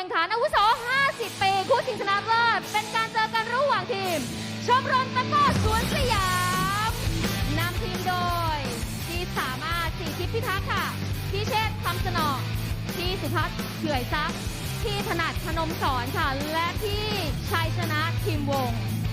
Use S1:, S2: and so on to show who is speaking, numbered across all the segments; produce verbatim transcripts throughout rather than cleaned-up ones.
S1: ข่งขันอาวุโส ห้าสิบ ปีคู่ชิงชนะเลิศเป็นการเจอกันระหว่างทีม ชมรมตะกร้อสวนสยามนำทีมโดยพี่สามารถศรีทิพย์พิทักษ์ค่ะพี่เชษฐ์คำสนอพี่สุพัฒน์เฉื่อยซักพี่ถนัดพนมสอนค่ะและพี่ชัยชนะทีมวง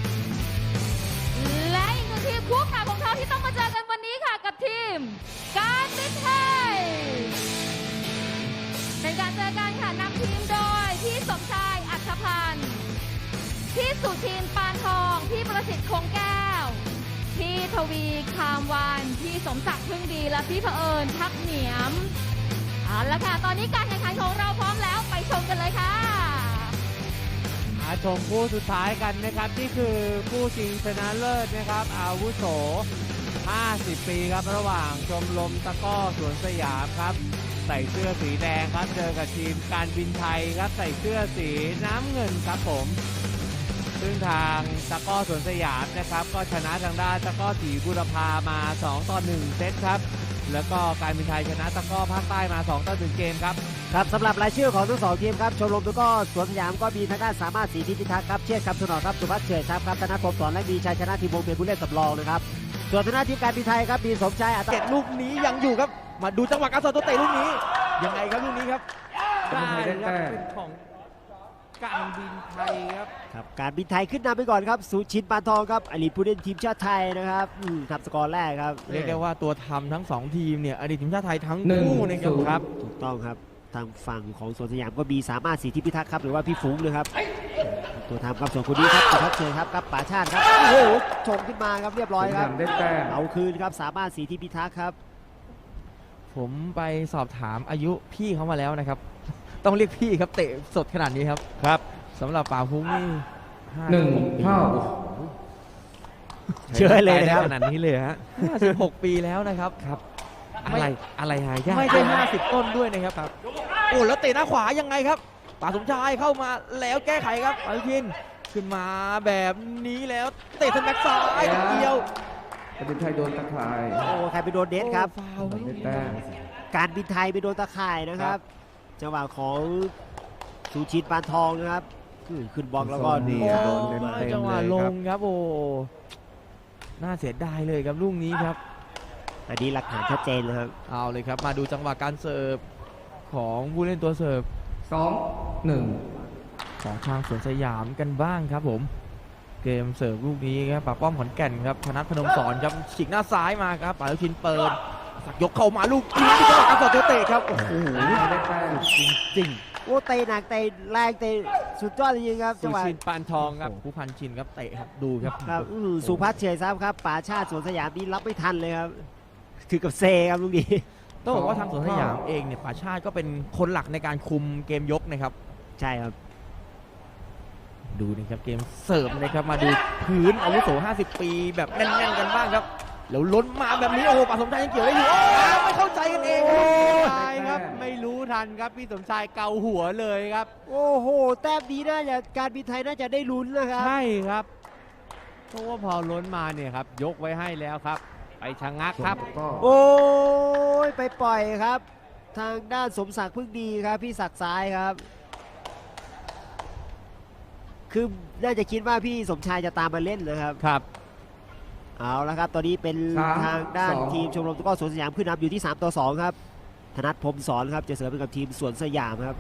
S1: และอีกหนึ่งทีมคู่ขาของเขาที่ต้องมาเจอกันวันนี้ค่ะกับทีมการบินไทยเป็นการเจอกันค่ะนำทีมโดยพี่สมชายอัครพันธ์พี่สุทินปานทองพี่ประสิทธิ์คงแก้วพี่ทวีคามวานพี่สมศักดิ์พึ่งดีและพี่เผอิญทับเหนียมเอาละค่ะตอนนี้การแข่งขันของเราพร้อมแล้วไปชมกันเลยค่ะ
S2: มาชมคู่สุดท้ายกันนะครับนี่คือคู่ชิงชนะเลิศนะครับอาวุโส ห้าสิบ ปีครับระหว่างชมรมตะกร้อสวนสยามครับใส่เสื้อสีแดงครับเจอกับทีมการบินไทยครับใส่เสื้อสีน้ำเงินครับผมซึ่งทางตะกร้อสวนสยามนะครับก็ชนะทางด้านตะกร้อศรีบุรพามาสองต่อหนึ่งเซตครับแล้วก็การบินไทยชนะตะกร้อภาคใต้มาสองต่อหนึ่งเกมครับ
S3: ครับสำหรับรายชื่อของทั้งสองทีมครับชมรมตะกร้อสวนสยามก็มีทางด้านสามารถศรีทิพย์พิทักษ์ครับเชษฐ์คำสนอครับสุภัฒน์เฉยทัพครับธนพงศ์สอนและมีชัยชนะทีมวงเป็นผู้เล่นสำรองนะครับส่วนทางด้านทีมการบินไทยครับมีสมชายอัต
S4: เตะลูกนี้ยังอยู่ครับมาดูจังหวะการสอดตัวเตะลูกนี้ยังไงครับลูกนี้ครับ
S2: ได้ครับเป็นของการบินไทยครับ
S3: ครับการบินไทยขึ้นนำไปก่อนครับสุชินปานทองครับอดีตผู้เล่นทีมชาติไทยนะครับอืมทำสกอร์แรกครับ
S4: เรียกได้ว่าตัวทำทั้งสองทีมเนี่ยอดีตทีมชาติไทยทั้งคู่นะครับครับ
S3: ถูกต้องครับทางฝั่งของสวนสยามก็มีสามารถศรีทิพย์พิทักษ์ครับหรือว่าพี่ฟุ้งนะครับตัวทำครับส่วนคนนี้ครับสุภัฒน์เฉยครับกับป๋าชาติครับโอ้โหชงขึ้นมาครับเรียบร้อยครับเอาคืนครับสามารถศรีทิพย์พิทักษ์ครับ
S4: ผมไปสอบถามอายุพี่เขามาแล้วนะครับ ต้องเรียกพี่ครับเตะสดขนาดนี้ครับครับสำหรับป่าพุ้งนี่
S5: หนึ่งเท่า
S3: เชื่อเลยนะครับ
S4: ขนาดนี้เลยฮะห้าสิบหกปีแล้วนะครับครับอะไรอะไรหายากไม่ใช่ห้าสิบต้นด้วยนะครับครับโอ้แล้วเตะหน้าขวายังไงครับป่าสมชายเข้ามาแล้วแก้ไขครับอนุทินขึ้นมาแบบนี้แล้วเตะทางแบ็กซ้ายทีเดียว
S5: การบินไทยโดนตะข่าย
S3: โอ้ใครไปโดนเดสครับ
S4: ฟาวล์ครับ
S5: ได้แต้ม
S3: การบินไทยไปโดนตะข่ายนะครับจังหวะของสุชินปานทองนะครับขึ้นขึ้นบล็อกแล้วก็นี่
S4: โอ้
S3: โดน
S5: เต็ม
S4: ไม่
S5: เต็ม
S4: จังหวะ
S5: เลย
S4: ล
S5: ครั
S4: ง
S5: บ
S4: ครับโอ้น่าเสียดายเลยครับลูกนี้ครับ
S3: อันนี้หลักฐานชัดเจนนะครับ
S4: เอาเลยครับมาดูจังหวะการเสิร์ฟของผู้เล่นตัวเสิร์ฟ
S5: สองหนึ่ง
S4: ของทางสวนสยามกันบ้างครับผมเกมเสิร์ฟลูกนี้ครับปากป้อมขอนแก่นครับธนัทพนมสอนครับฉีกหน้าซ้ายมาครับปาลุชินเปิดสักยกเข้ามาลูกนี้ที่จังหวะการสอดตัวเตะครับโอ้โห
S5: ได้แต้ม
S4: จริง
S3: โอ้เตะหนักเตะแรงเตะสุดยอดจริงๆครับ
S2: สุ
S3: จังหวะ
S2: ชินปานทองครับ
S4: ผู้พันชินครับเตะครับดูครับ
S3: ครับอื้อหือสุพัฒน์เฉยซับครับป๋าชาติสวนสยามนี่รับไม่ทันเลยครับถือกับเซครับลูกนี้
S4: ต้องบอกว่าทางสวนสยามเองเนี่ยป่าชาติก็เป็นคนหลักในการคุมเกมยกนะครับ
S3: ใช่ครับ
S4: ดูนะครับเกมเสิร์ฟนะครับมาดูพื้นอาวุโสห้าสิบปีแบบแน่นๆกันบ้างครับแล้วล้นมาแบบนี้โอ้โหป่าสมชายยังเกี่ยวได้อยู่โอ้ไม่เข้าใจกันเองครับ
S2: ใช่ครับไม่รู้ทันครับพี่สมชายเกาหัวเลยครับ
S3: โอ้โหแต้มดีน่าจะการบินไทยน่าจะได้ลุ้นนะครับ
S2: ใช่ครับเพราะว่าพอล้นมาเนี่ยครับยกไว้ให้แล้วครับ ไปชะงักครับ
S5: ก็
S3: โอ้ยไปปล่อยครับ ทางด้านสมศักดิ์พึ่งดีครับพี่ศักดิ์ซ้ายครับ คือน่าจะคิดว่าพี่สมชายจะตามมาเล่นนะครับ
S2: ครับ
S3: เอาละครับ ตอนนี้เป็นทางด้านทีมชมรมตะกร้อสวนสยามขึ้นนำอยู่ที่สามต่อสองครับธนัทพรหมสอนครับจะเสริมเป็นกับทีมสวนสยามครับ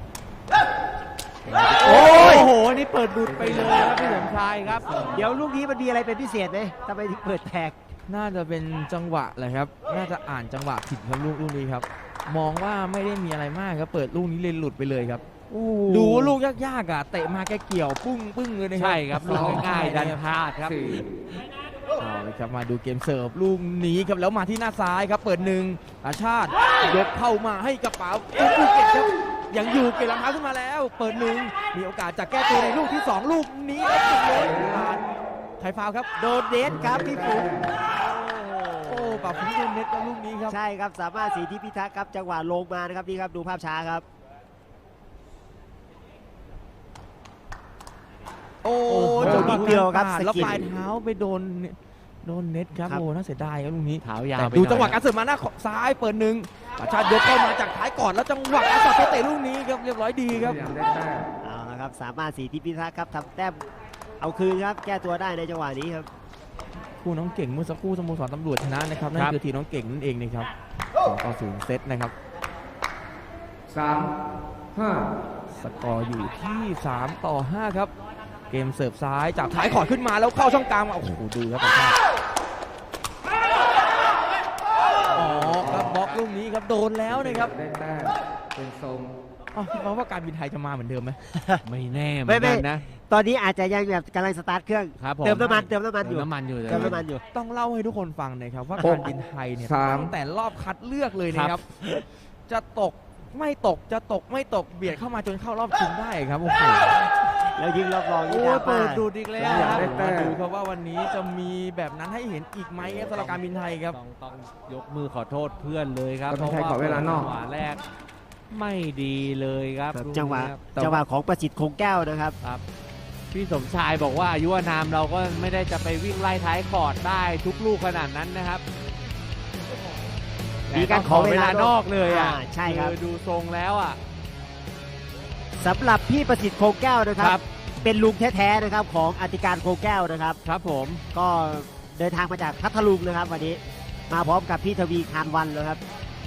S2: โอ้โหนี่เปิดบุดไปเลยครับพี่สมชายครับ
S3: เดี๋ยวลูกนี้มันมีอะไรเป็นพิเศษไหมทำไมถึงเปิดแตก
S4: น่าจะเป็นจังหวะแหละครับน่าจะอ่านจังหวะผิดครับลูกลูกนี้ครับมองว่าไม่ได้มีอะไรมากครับเปิดลูกนี้เลยหลุดไปเลยครับดูว่าลูกยากๆอ่ะเตะมาแกเกี่ยวปึ้งปึ้งเลยนะครั
S2: ใช่ครับลูกง่ายๆดันพลาดครับ
S5: สี่
S4: เอาเลยครับมาดูเกมเสิร์ฟลูกนี้ครับแล้วมาที่หน้าซ้ายครับเปิดหนึ่งอาชาติยกเข้ามาให้กระเป๋าภูเก็ตครับยังอยู่เก็บรองเท้าขึ้นมาแล้ว เปิดหนึ่งมีโอกาสจะแก้ตัวในลูกที่สองลูกนี้แล้วติดเลยผ่านใครฟาวล์ครับ
S3: โดนเดสครับพี่ปุ๋ม
S4: โอ้ปรับพื้นโดนเน็ตกับลูกนี้ครับ
S3: ใช่ครับสามารถศรีทิพย์พิทักษ์ครับจังหวะลงมานะครับนี่ครับดูภาพช้าครับ
S4: โอ้
S3: โอ้โหนิดเดียวครับสะกิด
S4: แล้วปลายเท้าไปโดนโดนเน็ตครับ
S3: ครับ
S4: โอ้น่าเสียดายครับลูกนี้
S2: เท้ายาว
S4: แต่
S2: ไป
S4: ดู
S2: น่อย
S4: จังหวะการเสิร์ฟมาหน้าซ้ายเปิดหนึ่งประชาติยกเข้ามาจากท้ายก่อนแล้วจังหวะการสับเตะลูกนี้ครับเรียบร้อยดีครับ
S5: สยามได้แต้ม
S3: เอาละครับสามารถสีทิพย์พิทักษ์ครับทำแต้มเอาคืนครับแก้ตัวได้ในจังหวะนี้ครับ
S4: คู่น้องเก่งเมื่อสักครู่สโมสรตำรวจชนะนะครับนั่นคือทีมน้องเก่งนั่นเองนะครับสองต่อศูนย์เซตนะครับ
S5: สามห้า
S4: สกอร์อยู่ที่สามต่อห้าครับเกมเสิร์ฟซ้ายจากท้ายขอดขึ้นมาแล้วเข้าช่องกลางมาโอ้โหดูครับประชาติอ๋อครับบล็อกลูกนี้ครับโดนแล้วนะครับ
S5: ได้แต้มเป็นทรง
S4: อ๋อคิดว่าการบินไทยจะมาเหมือนเดิมไหม
S2: ไม่แน่เหมื
S3: ไม่
S2: อน
S3: ไม่
S2: กันนะ
S3: ตอนนี้อาจจะยังแบบกำลังสตาร์ทเครื่อง
S2: ครับผม
S3: เติมน้ำมันเติมน้ำมันอยู่
S2: เติมน้ำมันอยู่เลย
S3: เติมน้ำมันอยู่
S4: ต้องเล่าให้ทุกคนฟังนะครับว่าการบินไทยเนี่ยตั้งแต่รอบคัดเลือกเลยนะครับ จะตกไม่ตกจะตกไม่ตกเบียดเข้ามาจนเข้ารอบชิงได้ครับโอ้โห
S3: แล้วยิงรอบรองนี่
S2: โอ้
S3: ดราม่า
S2: เปิดดูดอีกแล้ว
S5: สยาม
S2: ครับ
S5: ได้แต้
S4: มาม ดูครับว่าวันนี้จะมีแบบนั้นให้เห็นอีกไหมครับสำหรับการบินไทยครับ
S2: ต้องต้องยกมือขอโทษเพื่อนเลยครับ
S5: ก็ต้องใช้ขอเวลานอก
S2: จังหวะแรกไม่ดีเลยครับ
S3: ครับ
S2: ลูก
S3: จังหวะ
S2: นี้ครับ
S3: จังหวะของประสิทธิ์คงแก้วนะครับ
S2: ครับพี่สมชายบอกว่าอายุอานามเราก็ไม่ได้จะไปวิ่งไล่ท้ายคอร์ดได้ทุกลูกขนาดนั้นนะครับ
S3: มีการขอเวลาน
S2: นอกเลยอ่ะ
S3: อ่าใช่ครับ
S2: อดูทรงแล้วอ่ะ
S3: สำหรับพี่ประสิทธิ์คงแก้วนะค
S2: ค
S3: รั
S2: รับ บ
S3: เป็นลุงแท้ๆนะครับของอธิการคงแก้วนะครับ
S2: ครับผม
S3: ก็เดินทางมาจากพัทลุงนะครับวันนี้มาพร้อมกับพี่ทวีคานวันนะครับ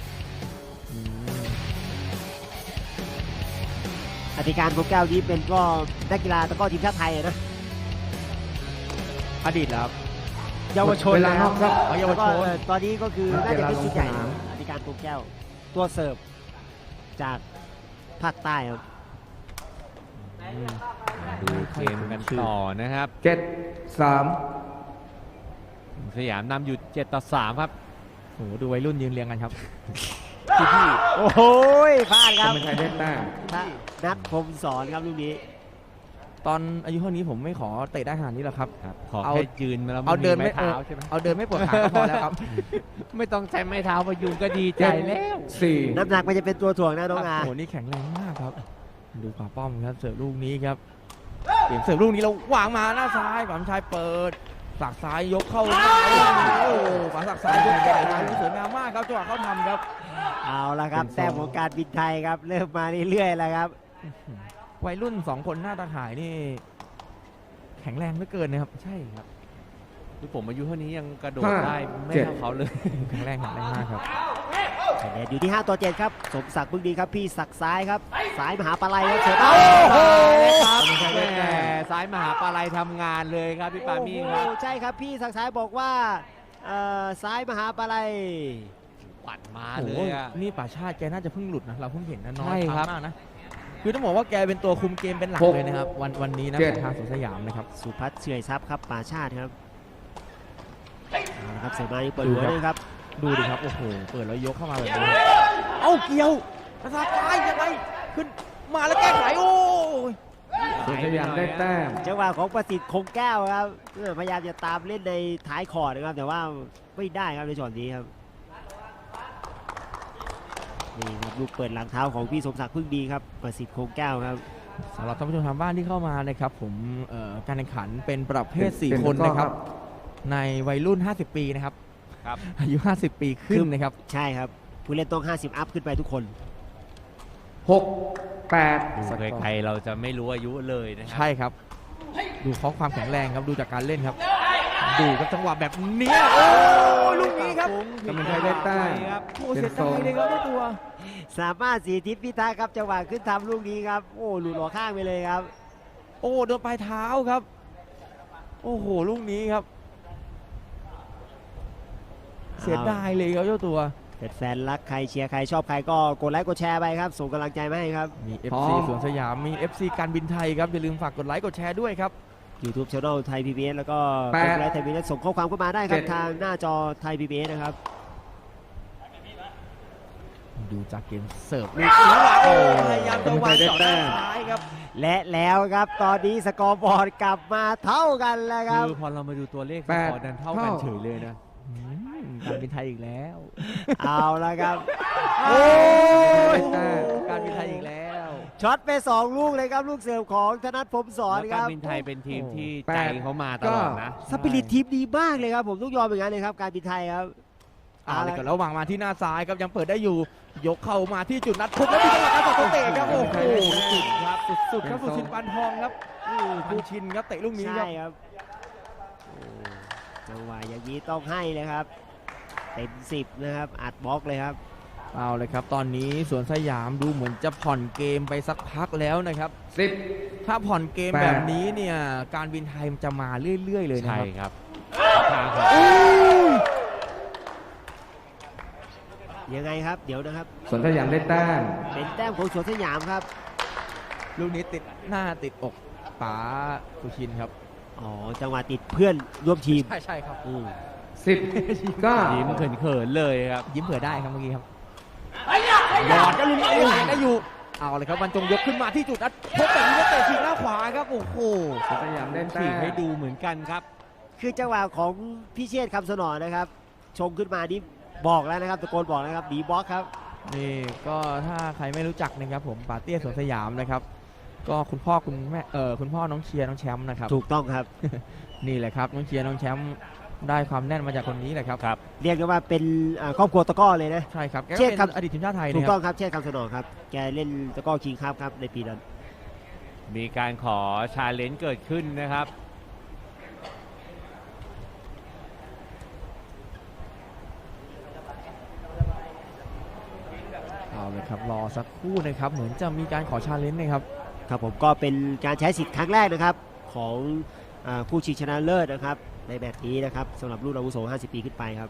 S3: อธิการคงแก้วนี้เป็นก็นักกีฬาตะกร้อทีมชาติไทยนะ
S4: อดีตแล้วครับ
S3: เยาวชน
S5: เวลานอกครับ
S4: เอาเยาวชน
S3: แล้ก็ตอนนี้ก็คือน่าจะเป็นชุดใหญ่
S5: เวลาลงสนาม
S3: อธิการคงแก้ว ตัวเสิร์ฟจากภาคใต้ครับ
S2: ดูเกมกันต่อนะครับ
S5: เจ็ดสาม
S2: สยามนำอยู่เจ็ดต่อสามครับ
S4: โอ้โหดูวัยรุ่นยืนเรียงกันครับ
S3: โอ้โหพลาดครับ
S5: เป็นไทยได้แต้ม
S3: ถ้านัดพรหมสอนครับลูกนี้
S4: ตอนอายุเท่านี้ผมไม่ขอเตะได้ขนาดนี้หรอกครับ
S2: ครับขอ
S4: เอา
S2: แค่ยืนมาแล้ว
S4: เอาเดิน
S2: ไม่
S4: ไม่
S2: มีไม้เท้าใช่ไหม
S4: เอาเดินไม่ปวดขาก็พอแล้วครับ
S2: ไม่ต้องใช้ไม้เท้าพยุงก็ดีใจแล้ว
S5: สี่
S3: น้ำหนักมันจะเป็นตัวถ่วงนะน้องอา
S4: โอ้โหนี่แข็งแรงมากครับ ดูขวาป้อมครับเสิร์ฟลูกนี้ครับเปลี่ยนเสิร์ฟลูกนี้เราวางมาหน้าซ้ายขวาชายเปิดสักซ้ายยกเข้าหน้าโอ้โหขวาสักซ้ายยกเข้าหน้าสวยงามมากครับจังหวะเขาทำครับ
S3: เอาละครับแต้มของการบินไทยครับเริ่มมาเรื่อยๆแล้วครับ
S4: วัยรุ่นสองคนหน้าตาข่ายนี่ แข็งแรงเหลือเกินนะครับ
S2: ใช่ครับคือผมอายุเท่านี้ยังกระโดด
S5: ห้า
S2: ได้ไม่
S5: เจ็ด
S2: เท่าเขาเลย
S4: แข็งแรงแข็งแรงมากครับ
S3: คะแนนอยู่ที่ห้าต่อเจ็ดครับสมศักดิ์บึงดีครับพี่ศักดิ์ซ้ายครับซ้ายมหาปลายครับเสือ
S2: โอ้
S3: โอ้
S2: โห
S3: โห
S2: ครับแม่ซ้ายมหาปลาลัยทำงานเลยครับพี่ปามี่ครับ
S3: โอ้โหใช่ครับพี่ศักดิ์ซ้ายบอกว่าเอ่อซ้ายมหาปลาย
S2: ปัดมา
S4: โอ้
S2: เล
S4: โห
S2: ยอ่ะ
S4: นี่ป่าชาติแกน่าจะเพิ่งหลุดนะเราเพิ่งเห็นนะน้อ
S2: ใช่
S4: ย
S2: ครับ
S4: มากนะคือต้องบอกว่าแกเป็นตัวคุมเกมเป็นหลักเลยนะครับ วันวันนี้นะของทางสวนสยามนะครับ
S3: สุพัฒน์เฉื่อยทรัพย์ครับป่าชาติครับเอาละครับเสือมานี่เปิดหัวเลยครับ
S4: ดูดิครับ โอ้โห เปิดแล้วยกเข้ามาแบบนี้ เอ้า เกี่ยวประสาทซ้ายยังไง ขึ้นมาแล้วแก้ไข โอ้ย
S5: สวนสยามได้แต้ม
S3: จังหวะของประสิทธิ์คงแก้วครับเออพยายามจะตามเล่นในท้ายคอร์ดนะครับ แต่ว่าไม่ได้ครับในช็อตนี้ครับนี่ครับลูกเปิดหลังเท้าของพี่สมศักดิ์พึ่งดีครับประสิทธิ์คงแก้วครับ
S4: สำหรับท่านผู้ชมทางบ้านที่เข้ามานะครับผมเอ่อการแข่งขันเป็นประเภท
S5: เป็น
S4: สี่
S5: เป็น
S4: คน
S5: ตะกร้อ
S4: นะครับ
S5: ครับ
S4: ในวัยรุ่น ห้าสิบ ปีนะครับ
S2: ครับ
S4: อายุ ห้าสิบ ปีขึ้นนะครับ
S3: ใช่ครับ ผู้เล่นต้องห้าสิบอัพขึ้นไปทุกคน
S5: หกแปด
S2: ดูใครๆเราจะไม่รู้อายุเลยนะครั
S4: ใช่ครับ ดูข้อความแข็งแรงครับ ดูจากการเล่นครับ ดูกับจังหวะแบบนี้โอ้ยลูกนี้ครับ
S5: กำลังใจได้แต้ม
S2: ครับ
S4: โอ้เสียดายเลยครับเจ้าตัว
S3: สามารถสีทิศพิทักษ์ครับจังหวะขึ้นทำลูกนี้ครับโอ้หลุดหัวข้างไปเลยครับ
S4: โอ้โดนปลายเท้าครับ โอ้โห ลูกนี้ครับ เสียดายเลยครับเจ้าตัว
S3: แฟนๆรักใครเชียร์ใครชอบใครก็กดไลค์กดแชร์ไปครับส่งกำลังใจมาให้ครับ
S4: มี
S5: พร้
S4: เอฟ
S5: อ
S4: ซี
S5: ม
S4: สวนสยาม มี เอฟ ซี การบินไทยครับ อย่าลืมฝากกดไลค์กดแชร์ด้วยครับ
S3: YouTube Channel ไทย พี บี เอส แล้วก็
S5: แปด
S3: เฟซบุ๊กไลฟ์ไทย พี บี เอส ส่งข้อความเข้ามาได้ครั
S5: เจ็
S3: บ
S5: ด
S3: ทางหน้าจอไทย พี บี เอส นะครับ
S4: ดูจากเกมเสิร์ฟลูกนี้ว่าโอ้พยายามจะวางเจาะด้านซ้ายครับ
S3: และแล้วครับตอนนี้สกอร์บอร์ดกลับมาเท่ากันแล้วครับ
S2: คือพอเรามาดูตัวเลขส
S5: แปด
S2: กอร์ดันเท่ากัน
S5: เท่า
S2: เฉยเลยนะ
S4: อืมการบินไทยอีกแล้ว
S3: เอาละครับ
S4: โอ้ย
S5: ได้แต้ม
S4: การบินไทยอีกแล้ว
S3: ช็อตไปสองลูกเลยครับลูกเสิร์ฟของธนัทพรหมสอน
S2: แล้ว
S3: ค
S2: การ
S3: รับ
S2: บินไทยเป็นทีมที่
S5: แปด
S2: ใจเขามาตลอดนะ
S3: สปิริตทีมดีมากเลยครับผมต้องยอมอย่างนั้นเลยครับการบินไทยครับ
S4: เอาเลยครับระหว่างมาที่หน้าซ้ายครับยังเปิดได้อยู่ ยกเข้ามาที่จุดนัดพบแล้วมีจังหวะการต่อตัวเตะครับโอ้โหสุดครับสุดๆครับสุชินปานทองครับพันชินครับเตะลูกนี้ค
S3: ใช่
S4: รับ
S3: ครับโอ้จังหวะอย่างนี้ต้องให้เลยครับเต็มสิบนะครับอัดบล็อกเลยครับ
S4: เอาเลยครับตอนนี้สวนสยามดูเหมือนจะผ่อนเกมไปสักพักแล้วนะครับ
S5: สิบ
S4: ถ้าผ่อนเกม
S5: แปด
S4: แบบนี้เนี่ยการบินไทยมันจะมาเรื่อยๆเลยนะ
S2: ใช่
S4: ครับ
S2: ครับทางของ
S3: ยังไงครับเดี๋ยวนะครับ
S5: สวนสยามได้แต้ม
S3: เป็นแต้มของสวนสยามครับ
S4: ลูกนี้ติดหน้าติดอกป๋าสุชินครับ
S3: อ๋อจังหวะติดเพื่อนร่วมทีม
S4: ใช่ใช่ครับ
S3: อืม
S5: สิบเก้า
S2: ยิ้มเขินๆเลยครับ
S4: ยิ้มเผื่อได้ครับเมื่อกี้ครับหยอดก็ลูกนี้โอ้ยได้อยู่เอาเลยครับบรรจงยกขึ้นมาที่จุดนัดพบแบบนี้ก็เตะฉีกหน้าขวาครับโอ้โห
S5: สวนสยามได้แต้
S2: ฉีก
S5: ม
S2: ให้ดูเหมือนกันครับ
S3: คือจังหวะของพิเชษฐ์คำสนอนะครับ ชงขึ้นมานี่บอกแล้วนะครับตะโกนบอกแล้วครับบีบล็อกครับ
S4: นี่ก็ถ้าใครไม่รู้จักนะครับผมป๋าเตี้ยสวนสยามนะครับ ก็คุณพ่อคุณแม่เออคุณพ่อน้องเชียร์น้องแชมป์นะครับ
S3: ถูกต้องครับ
S4: นี่แหละครับน้องเชียร์น้องแชมป์ได้ความแน่นมาจากคนนี้แหละครับ
S2: ครับ
S3: เรียกได้ว่าเป็นอ่าครอบครัวตะกร้อเลยนะ
S4: ใช่ครับแกก็
S3: เชียร์
S4: เป็น
S3: ครับ
S4: อดีตทีมชาติไทย
S3: ถู
S4: นะ
S3: ก
S4: ค
S3: ต้
S4: รั
S3: อบ งครับเชษฐ์คำสนอครับแกเล่นตะกร้อคิงครับครับในปีนั้น
S2: มีการขอชาเลนจ์เกิดขึ้นนะครับ
S4: เอาเลยครับรอสักครู่นะครับเหมือนจะมีการขอชาเลนจ์นะครับ
S3: ครับผมก็เป็นการใช้สิทธิ์ครั้งแรกนะครับของอาผู้ชิงชนะเลิศนะครับในแบบนี้นะครับสำหรับรุ่นอาวุโสห้าสิบปีขึ้นไปครับ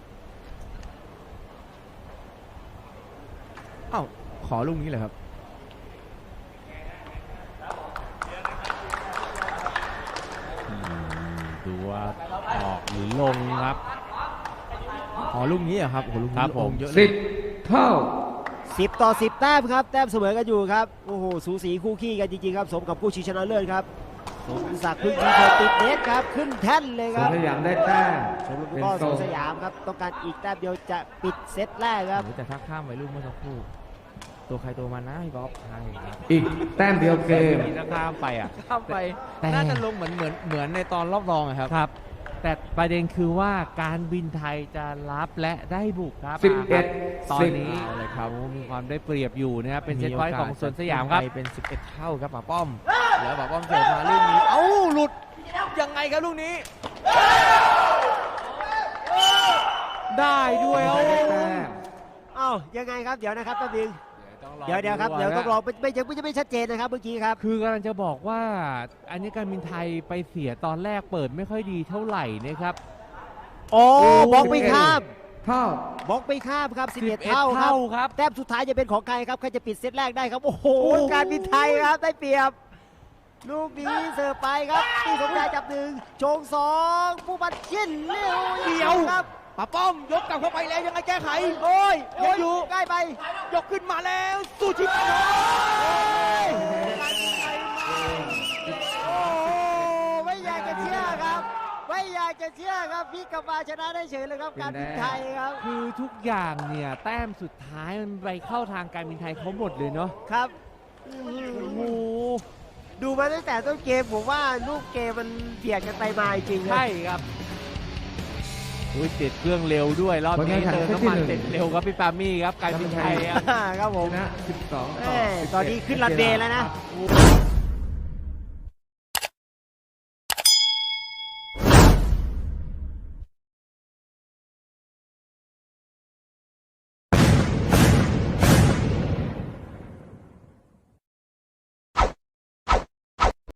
S4: อ้าวขอลูกนี้เลยครับ
S2: อืมดูว่าออกหรือลงครับ
S4: ขอลูกนี้เหรอครับโอ้โหลูก
S2: ครั
S4: นี้
S2: บผม
S4: ลงเยอะเล
S5: สิ
S4: ย
S5: บเท่า
S3: สิบต่อสิบแต้มครับแต้มเสมอกันอยู่ครับโอ้โหสูสีคู่ขี้กันจริงๆครับสมกับผู้ชิงชนะเลิศครับสมศักดิ์พึ่งทีเธอติดเน็ตครับขึ้นแท่นเลย
S5: ส
S3: ค
S5: วน
S3: รับ
S5: สยามได้แต้ม
S3: ชมรม
S5: เป็น
S3: ก็
S5: โซ
S3: สวน
S5: น
S3: สยามครับต้องการอีกแต้มเดียวจะปิดเซตแรกครับ
S4: โอ้โหแต่ถ้าข้ามไปลูกเมื่อสักครู่ตัวใครตัวมันนะพี่บ๊อบใช่ครับ
S5: อีกแต้มเดียวเกม
S2: มีถ้าข้ามไปอ่ะ
S4: ข้ามไป
S2: แต่
S4: น่าจะลงเหมือนเหมือนเหมือนในตอนรอบรองอะครับ
S2: ครับ แต่ประเด็นคือว่าการบินไทยจะรับและได้บุกครับ
S5: สิบเอ็ด
S2: ตอน
S5: สิบ
S2: นี้
S4: เอาเลยครับ
S2: โอ้มีความได้เปรียบอยู่นะครับเป็นเซตพอยต์ของสวนสยามครับ
S4: ไปเป็นสิบเอ็ดเท่าครับป๋าป้อมแล้วป๋าป้อมเสิร์ฟมาลูกนี้เอ้าหลุดยังไงครับลูกนี้
S2: ได้ด้วยโอ้
S5: ได้แต้ม
S3: เอ้ายังไงครับเดี๋ยวนะครับแป๊บนึง
S2: ต้องรอ
S3: เดี๋ยวเดี๋ยวครับเดี๋ยวต้องร
S2: นะ
S3: อไม่ไม่ยังไม่จะไม่ชัดเจนนะครับเมื่อกี้ครับ
S2: คือกำลังจะบอกว่า อันนี้การบินไทยไปเสียตอนแรกเปิดไม่ค่อยดีเท่าไหร่นะครับ
S3: โอ้บล็อกไม่ข้าม
S5: เท่า
S3: บล็อกไม่ข้ามครับสิบเอ็ด
S2: สิบเอ็ด
S3: เท่าครับ
S2: เท่าครับ
S3: แต้มสุดท้ายจะเป็นของใครครับใครจะปิดเซตแรกได้ครับโอ้โหการบินไทยครับได้เปรียบ ลูกนี้เสิร์ฟไปครับที่สมชายจับหนึ่งโชงสองผู้บัตรชินเลี้ยว
S4: เดียว
S3: ครับ
S4: ป๋าป้อมยกกลับเข้าไปแล้วยังไงแก้ไข
S3: โอ้ย
S4: ยังอยู่
S3: ใกล้ไป
S4: ยกขึ้นมาแล้วสุชิต
S3: โอ้ไม่อยากจะเชื่อครับ ไม่อยากจะเชื่อครับพี่กลับมาชนะได้เฉยเลยครับการบินไทยครับ
S2: คือทุกอย่างเนี่ยแต้มสุดท้ายมันไปเข้าทางการบินไทยเขาหมดเลยเนาะ
S3: ครับอื้อหือ
S2: โอ้โห
S3: ดูมาตั้งแต่ต้นเกมผมว่าลูกเกมมันเบียดกันไปมาจริงๆครับ
S2: ใช่ครับอุ้ยติดเครื่องเร็วด้วยรอบนี้เติมน้ำมันเสร็จเร็วครับพี่ปามี่ครับการบินไทยครับ
S3: ครับผม
S5: ชนะสิบสอง
S3: แม่
S5: ต่อ
S3: ตอนนี้ขึ้นรันเวย์แล้วนะ
S5: ครับ